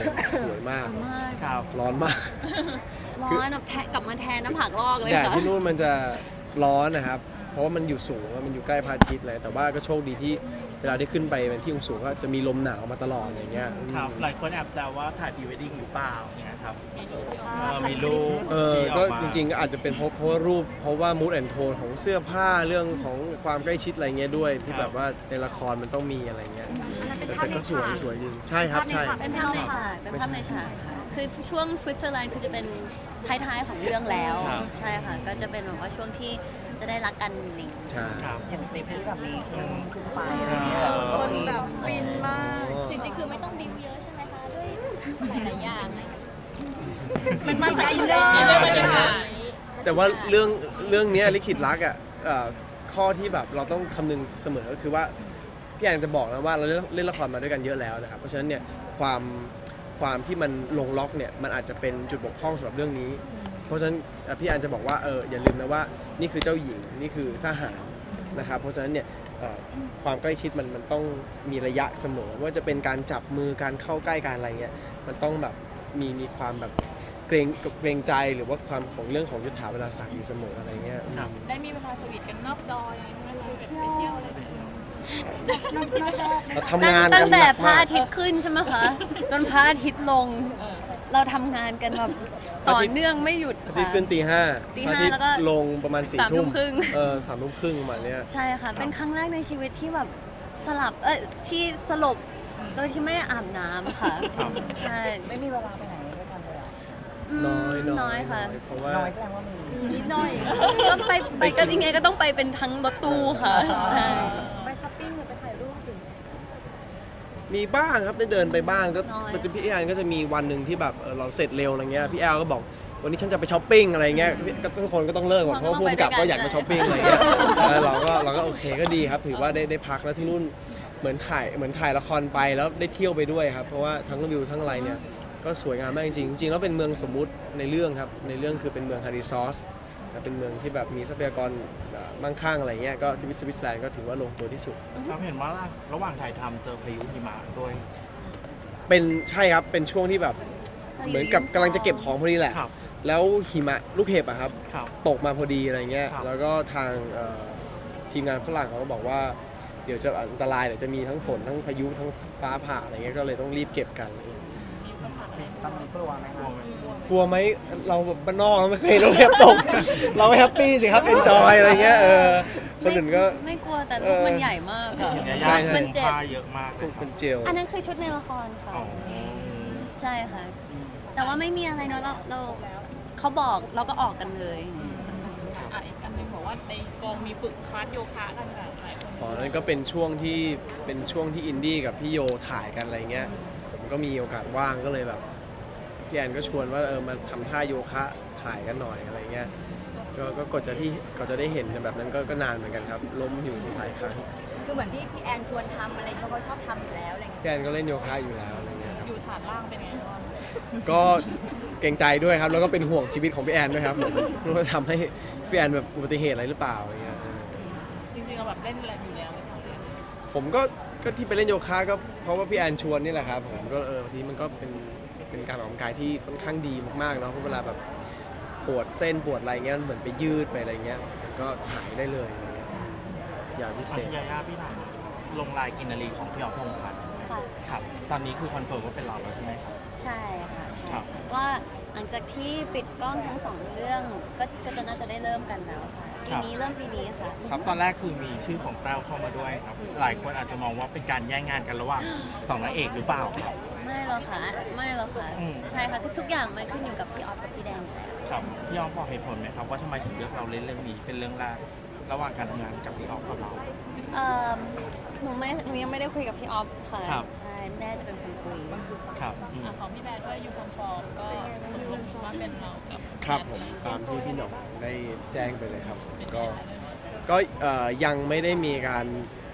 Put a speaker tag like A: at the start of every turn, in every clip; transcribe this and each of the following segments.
A: สวยมาก
B: ครับ
A: ร้อนมาก
C: ร้อนแบบกลับมาแทนน้ำผักลอกเลย
A: แดด
C: ค่ะ
A: ที่นู่นมันจะร้อนนะครับเพราะว่ามันอยู่สูงมันอยู่ใกล้พระอาทิตย์เลยแต่ว่าก็โชคดีที่เวลาได้ขึ้นไปเป็นที่สูงก็จะมีลมหนาวมาตลอดอย่างเงี้ย
B: ครับหลายคนแอบแซวว่าถ่ายพรีเวดดิ้งหรือเปล่าเนี่ยครับมีรูป
A: ก็จริงๆก็อาจจะเป็นเพราะว่ารูปเพราะว่ามูดแอนโทนของเสื้อผ้าเรื่องของความใกล้ชิดอะไรเงี้ยด้วยที่แบบว่าในละครมันต้องมีอะไรเงี้ยแต่ก็สวยจริงใช่ครับใช่
C: เป็นภาพในฉากเป็นภาพในฉากค่ะคือช่วงสวิตเซอร์แลนด์คือจะเป็นท้ายๆของเรื่องแล้วใช่ค่ะก็จะเป็นแบบว่าช่วงที่จะได้รักกันหนึ่ง
A: ใช่
D: อย่างคลิปที่แบบนี้ขึ้นไปอะไรเงี้ย
E: คนแบบฟินมาก
C: จริงๆคือไม่ต้องบิวเยอะใช่ไหมคะด้วยหลายๆอย่างอะไรอย่างนี้
E: มันได้เยอะ
A: แต่ว่าเรื่องนี้ลิขิตรักอ่ะข้อที่แบบเราต้องคำนึงเสมอก็คือว่าพี่แอนจะบอกนะว่าเราเล่นละครมาด้วยกันเยอะแล้วนะครับเพราะฉะนั้นเนี่ยความที่มันลงล็อกเนี่ยมันอาจจะเป็นจุดบกพร่องสำหรับเรื่องนี้เพราะฉะนั้นพี่แอนจะบอกว่าอย่าลืมนะว่านี่คือเจ้าหญิงนี่คือทหารนะครับเพราะฉะนั้นเนี่ยความใกล้ชิดมันต้องมีระยะเสมอว่าจะเป็นการจับมือการเข้าใกล้การอะไรเงี้ยมันต้องแบบมีความแบบเกรงใจหรือว่าความของเรื่องของยุทธาเวลาศักดิ์อยู่เสมออะไรเงี้ย
E: ได้มีเวลาสวีทกันนอกจอยังไงไหมคะไปเที่ยวอะไรแบบนี้
A: เราทำงาน
C: ตั้งแต่พระอาทิตย์ขึ้นใช่ไหมคะจนพระอาทิตย์ลงเราทำงานกันแบบต่อเนื่องไม่หยุดค่ะ
A: ที่ขึ้นตี 5แล้วก็ลงประมาณ4 ทุ่ม
C: ครึ่ง
A: 3 ทุ่มครึ่งประมาณนี้
C: ใช่ค่ะเป็นครั้งแรกในชีวิตที่แบบที่สลบโดยที่ไม่ได้อาบน้ำค่ะใช่
D: ไม่มีเวลาไปไหนด้วยกันเลย
C: น้อยค่ะ
A: เพราะว่า
D: น้อยแสดงว่ามี
C: นิดหน่อยก็ไปก็ยังไงก็ต้องไปเป็นทั้งรถตู้ค่ะใช่
E: ไปช้อปปิ้งหรือไปถ่ายรูปถึง
A: มีบ้างครับได้เดินไปบ้างก็มันจะพี่แอนก็จะมีวันหนึ่งที่แบบเราเสร็จเร็วอะไรเงี้ยพี่แอลก็บอกวันนี้ฉันจะไปช้อปปิ้งอะไรเงี้ยก็ทุกคนก็ต้องเลิกหมดเพราะว่าผู้กำกับก็อยากมาช้อปปิ้งอะไรเงี้ยเราก็โอเคก็ดีครับถือว่าได้พักแล้วที่นู่นเหมือนถ่ายละครไปแล้วได้เที่ยวไปด้วยครับเพราะว่าทั้งวิวทั้งอะไรเนี่ยก็สวยงามมากจริงๆแล้วเป็นเมืองสมมุติในเรื่องครับในเรื่องคือเป็นเมืองฮาริซอสเป็นเมืองที่แบบมีทรัพยากรมั่งคั่งอะไรเงี้ยก็สวิตเซอร์แลนด์ก็ถือว่าลงตัวที่สุด
B: เราเห็นว่าระหว่างถ่ายทำเจอพายุหิมะด้วย
A: ใช่ครับเป็นช่วงที่แบบเหมือนกับกำลังจะเก็บของพอดีแหละแล้วหิมะลูกเห็บอะครับตกมาพอดีอะไรเงี้ยแล้วก็ทางทีมงานฝรั่งเขาก็บอกว่าเดี๋ยวจะอันตรายเดี๋ยวจะมีทั้งฝนทั้งพายุทั้งฟ้าผ่าอะไรเงี้ยก็เลยต้องรีบเก็บกัน
D: ตอนนี้กลัวไหมครับ
A: กลัวไหมเราแบบบ้านนอกไม่เคยลูกเห็บตกเราไม่แฮปปี้สิครับเอนจอยอะไรเงี้ยคนอื่นก็
C: ไม่กลัวแต่ลูกมันใหญ่มากอะ
B: มันเจ็บเยอะมาก
A: เป็นเจล
C: อันนั้นคือชุดในละครค่ะใช่ค่ะแต่ว่าไม่มีอะไรเนาะเราเขาบอกเราก็ออกกันเลย
E: อีกอันนึงบอกว่าในกองมีฝึกคลาสโยคะกันแบบหลายคน
A: นั่นก็เป็นช่วงที่อินดี้กับพี่โยถ่ายกันอะไรเงี้ยผมก็มีโอกาสว่างก็เลยแบบพี่แอนก็ชวนว่ามาทำท่าโยคะถ่ายกันหน่อยอะไรเงี้ยก็กว่าจะได้เห็นแบบนั้นก็นานเหมือนกันครับล้มอยู่หลายครั้ง
E: คือเหมือนที่พี่แอนชวนทำอะไรเขาก็ชอบทำอยู่แล้วอะไรเงี้ย
A: พี่แอนก็เล่นโยคะอยู่แล้วอะไรเงี้ย
E: อยู่ฐานล่างเป็นไงบ้าง
A: ก็เกรงใจด้วยครับแล้วก็เป็นห่วงชีวิตของพี่แอนด้วยครับว่าทำให้พี่แอนแบบอุบัติเหตุอะไรหรือเปล่าอะไรเงี้ย
E: จริงๆเราแบบเล่นอะไรอยู่แล้ว
A: ผมก็ที่ไปเล่นโยคะก็เพราะว่าพี่แอนชวนนี่แหละครับผมก็บางทีมันก็เป็นการออกกำลังกายที่ค่อนข้างดีมากๆเนาะเพราะเวลาแบบปวดเส้นปวดอะไรเงี้ยเหมือนไปยืดไปอะไรเงี้ยก็หายได้เลยอย่างพิเศษ
B: ยาย่าพี่ถามลงลายกินนารีของพี่อ๊อฟพงษ์พัฒน์ครับตอนนี้คือคอนเฟิร์มว่าเป็นเราแล้วใช่ไหมครับ
C: ใช่ค่ะใช่ก็หลังจากที่ปิดกล้องทั้ง2เรื่องก็จะน่าจะได้เริ่มกันแล้วค่ะปีนี้ค่ะ
B: ครับตอนแรกคือมีชื่อของแต้วเข้ามาด้วยครับหลายคนอาจจะมองว่าเป็นการแย่งงานกันระหว่าง2นางเอกหรือเปล่าครับ
C: ไม่หรอกค่ะใช่ค่ะทุกอย่างมันขึ้นอยู่กับพี่ออฟกับพี่แดง
B: ครับพี่ออฟบอกเหตุผลไหมครับว่าทำไมถึงเลือกเราเล่นเรื่องนี้เป็นเรื่องแรกระหว่างการทำงานกับพี่ออฟกับเรา
C: หนูยังไม่ได้คุยกับพี่ออฟค่ะใช่แม่จะเป็นคนคุย
B: ครับ
E: ของพี่แบร์ด้วยยูคอนฟอร์มก็คือว่าเป็นเรา
A: ครับผมตามที่พี่หน่องได้แจ้งไปเลยครับก็ยังไม่ได้มีการ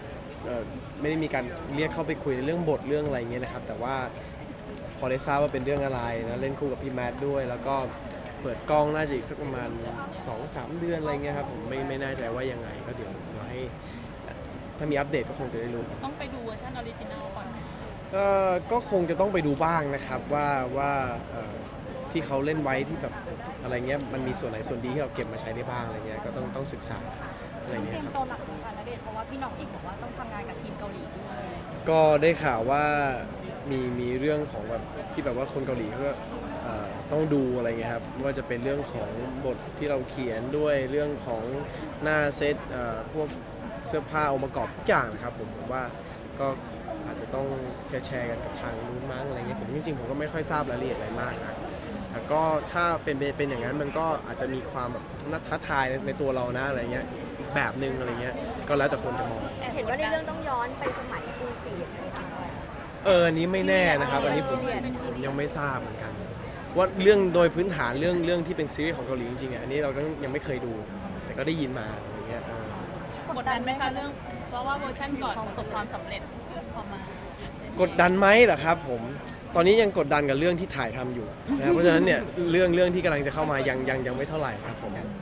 A: เรียกเข้าไปคุยในเรื่องบทเรื่องอะไรเงี้ยนะครับแต่ว่าพอได้ทราบว่าเป็นเรื่องอะไรนะเล่นคู่กับพี่แมทด้วยแล้วก็เปิดกล้องน่าจะอีกสักประมาณ 2-3 เดือนอะไรเงี้ยครับผมไม่แน่ใจว่ายังไงก็เดี๋ยวให้ถ้ามีอัปเดตก็คงจะได้รู้
E: ต้องไปดูเวอร์ชันออริจินัลก่อน
A: ก็คงจะต้องไปดูบ้างนะครับว่าที่เขาเล่นไว้ที่แบบอะไรเงี้ยมันมีส่วนไหนส่วนดีที่เราเก็บมาใช้ได้บ้างอะไรเงี้ยก็ต้องศึกษาอะไร
E: เต
A: เงี้
E: รี
A: ย
E: ยม
A: ครับ
E: ตัวหนักเหมือนกันนะเดชน์เพราะว่าพี่หน่องเองบอกว่าต้องทำงานกับทีมเกาหลีด้วย
A: ก็ได้ข่าวว่ามีเรื่องของแบบที่แบบว่าคนเกาหลีก็ต้องดูอะไรเงี้ยครับไม่ว่าจะเป็นเรื่องของบทที่เราเขียนด้วยเรื่องของหน้าเซตพวกเสื้อผ้าองค์ประกอบทุกอย่างนะครับผมว่าก็อาจจะต้องแชร์กันกับทางนู้นมั้งอะไรเงี้ยผมจริงๆผมก็ไม่ค่อยทราบรายละเอียดอะไรมากนะแต่ก็ถ้าเป็นอย่างนั้นมันก็อาจจะมีความแบบน่าท้าทายในตัวเรานะอะไรเงี้ยอีกแบบนึงอะไรเงี้ยก็แล้วแต่คนจะมอง
F: เห็นว่าในเรื่องต้องย้อนไปสมัยปูฟีดไหมคะ
A: อันนี้ไม่แน่นะครับอันนี้ผมยังไม่ทราบเหมือนกันว่าเรื่องโดยพื้นฐานเรื่องที่เป็นซีรีส์ของเกาหลีจริงๆอันนี้เราก็ยังไม่เคยดู แต่ก็ได้ยินมาอย่างเงี้ย
E: กดดันไหมคะเรื่องเพราะว่าเวอร์ชันก่อนประสบความสำเร็จพอมาก
A: ดดันไหมเหรอครับผมตอนนี้ยังกดดันกับเรื่องที่ถ่ายทำอยู่นะเพราะฉะนั้นเนี่ยเรื่องที่กำลังจะเข้ามายังไม่เท่าไหร่ครับผม